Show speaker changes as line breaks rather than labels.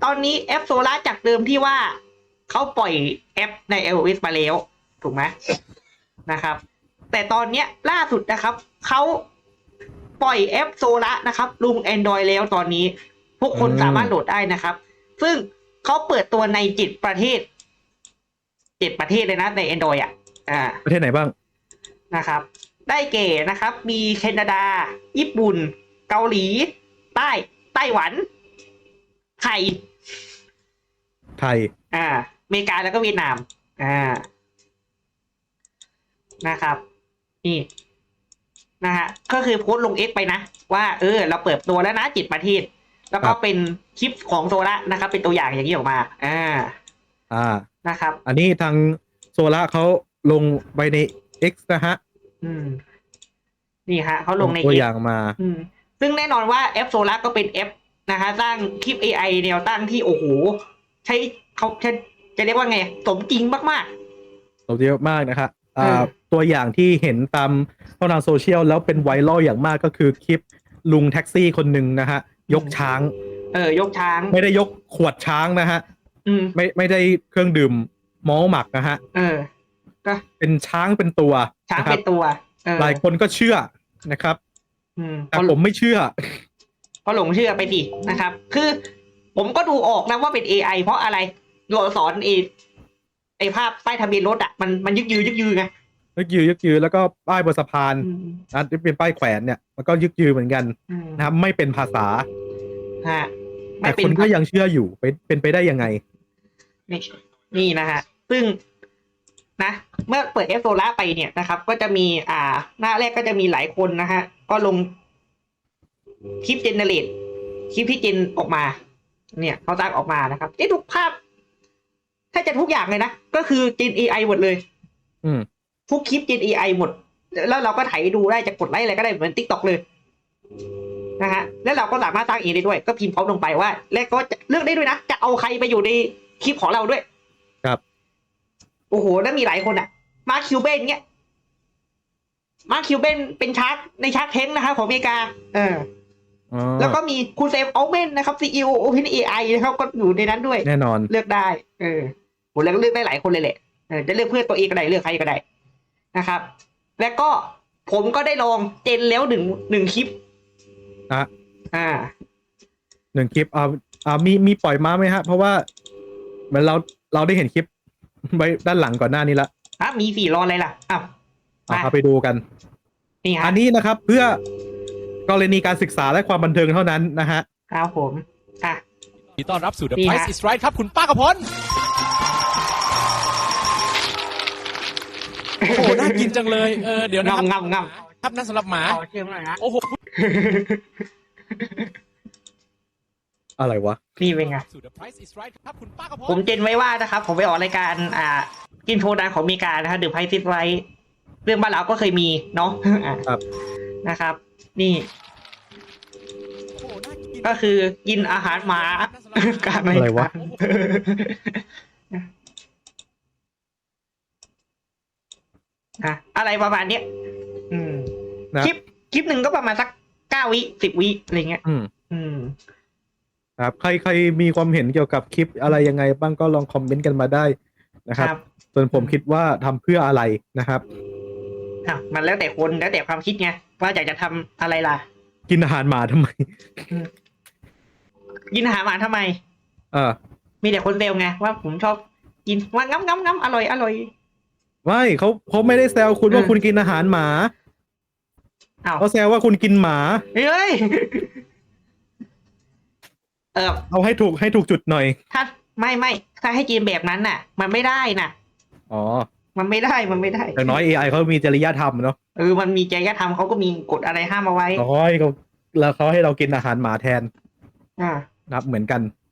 อนนี้แอปโซล่าจากเดิมที่ว่าเขาปล่อยแอปใน iOS มาแล้วถูกไหมนะครับแต่ตอนเนี้ยล่าสุดนะครับเขาปล่อยแอปโซล่านะครับลง Android แล้วตอนนี้พวกคนสามารถโหลดได้นะครับซึ่งเขาเปิดตัวใน7 ประเทศเลยนะใน Android
ประเทศไหนบ้าง
นะครับได้แก่นะครับมีแคนาดาญี่ปุ่นเกาหลีไต้หวันไทยอเมริกาแล้วก็เวียดนามนะครับนี่นะฮะก็คือโพสต์ลง X ไปนะว่าเราเปิดตัวแล้วนะ7 ประเทศแล้วก็เป็นคลิปของโซล่านะครับเป็นตัวอย่างอย่างนี้ออกมานะครับ
อันนี้ทางโซล่าเขาลงไปใน X นะฮะ
นี่ฮะเขาลงใน
ตัว
X
อย่างมา
ซึ่งแน่นอนว่าแอปโซล่าก็เป็นแอปนะฮะสร้างคลิป AI แนวตั้งที่โอ้โหใช้เขาจะเรียกว่าไงสมจริงมาก
ๆสมจริงมากนะครับตัวอย่างที่เห็นตามช่องทางโซเชียลแล้วเป็นไวรัลอย่างมากก็คือคลิปลุงแท็กซี่คนหนึ่งนะฮะยกช้าง
ยกช้าง
ไม่ได้ยกขวดช้างนะฮะไม่ได้เครื่องดื่มมอลหมักนะฮะ
ก็
เป็นช้างเป็นตัว
ช้างเป็นตัว
หลายคนก็เชื่อนะครับแต่ผมไม่เชื่อ
ก็หลงเชื่อไปดินะครับคือผมก็ดูออกนะว่าเป็น AI เพราะอะไรเราสอนไอภาพป้ายทะเบียนรถมันยึกยือไง
ยึกยือแล้วก็ป้ายบนสะพานนะที่เป็นป้ายแขวนเนี่ยมันก็ยึกยือเหมือนกันนะครับไม่เป็นภาษาแต่คนก็ยังเชื่ออยู่เป็นไปได้ยังไง
นี่นะฮะซึ่งนะเมื่อเปิดแอปโซล่าไปเนี่ยนะครับก็จะมีหน้าแรกก็จะมีหลายคนนะฮะก็ลงคลิปเจเนเรตคลิปที่เจนออกมาเนี่ยเขาสร้างออกมานะครับทุกภาพถ้าจะทุกอย่างเลยนะก็คือเจน AI หมดเลยทุกคลิปเจน AI หมดแล้วเราก็ไถดูได้จะกดไลค์อะไรก็ได้เหมือน TikTok เลยนะฮะแล้วเราก็สามารถสร้างเองได้ด้วยก็พิมพ์พร้อมลงไปว่าแล้วก็จะเลือกได้ด้วยนะจะเอาใครไปอยู่ในคลิปของเราด้วย
ครับ
โอ้โหแล้วมีหลายคนมาร์คคิวเบนเงี้ยมาร์คคิวเบนเป็นชาร์กในชาร์กเทงนะครับของอเมริกาแล้วก็มีคุณเซมอัลเมนนะครับ CEO OpenAI นะครับก็อยู่ในนั้นด้วย
แน่นอน
เลือกได้ผมแล้วก็เลือกได้หลายคนเลยแหละจะเลือกเพื่อตัวเองก็ได้เลือกใครก็ได้นะครับแล้วก็ผมก็ได้ลองเจนแล้วหนึ่งคลิป
หนึ่งคลิปมีปล่อยมาไหมฮะเพราะว่าเหมือนเราได้เห็นคลิปไว้ด้านหลังก่อนหน้านี้ละ
มี4รออะไรล่ะ
เอาไปดูกันอันนี้นะครับเพื่อกรณีการศึกษาและความบันเทิงเท่านั้นนะฮะ
ครับผม
ยินดีต้อนรับสู่ The Price is Right ครับคุณป้ากระพลโอ้โหน่ากินจังเลยเดี๋ยวนะครับ
งำ
ครับนั่นสำหรับหมา
เชื่อมหน่อยฮะ
โอ้โห
อะไรวะ
นี่เป็นไงผมเจนไว้ว่านะครับผมไปออกรายการกินโชว์ดังของอเมริกานะครับ The Price is Right เรื่องบ้านเราก็เคยมีเนาะนะครับนี่ก็คือกินอาหารหมาการ
อะไรวะ
อะไรประมาณนี้คลิปหนึ่งก็ประมาณสัก9 วิ10 วิอะไรเงี้ย
ครับใครมีความเห็นเกี่ยวกับคลิปอะไรยังไงบ้างก็ลองคอมเมนต์กันมาได้นะครับส่วนผมคิดว่าทำเพื่ออะไรนะครับ
มันแล้วแต่คนแล้วแต่ความคิดไงว่าอยากจะทำอะไรล่ะ
กินอาหารหมาทำไม
กินอาหารหมาทำไมมีแต่คนเซลไงว่าผมชอบกินว่างั้มอร่อย
ไม่เขาไม่ได้แซวคุณว่าคุณกินอาหารหมาเขาแซวว่าคุณกินหมา
เฮ้ย
เอาให้ถูกจุดหน่อย
ถ้าไม่ถ้าให้กินแบบนั้นน่ะมันไม่ได้น่ะมันไม่ได้
อย่างน้อย AI เขามีจริยธรรมเนาะ
มันมีจริยธรรมเขาก็มีกฎอะไรห้ามเอาไว้
แล้วเขาให้เรากินอาหารหมาแทนนับเหมือนกัน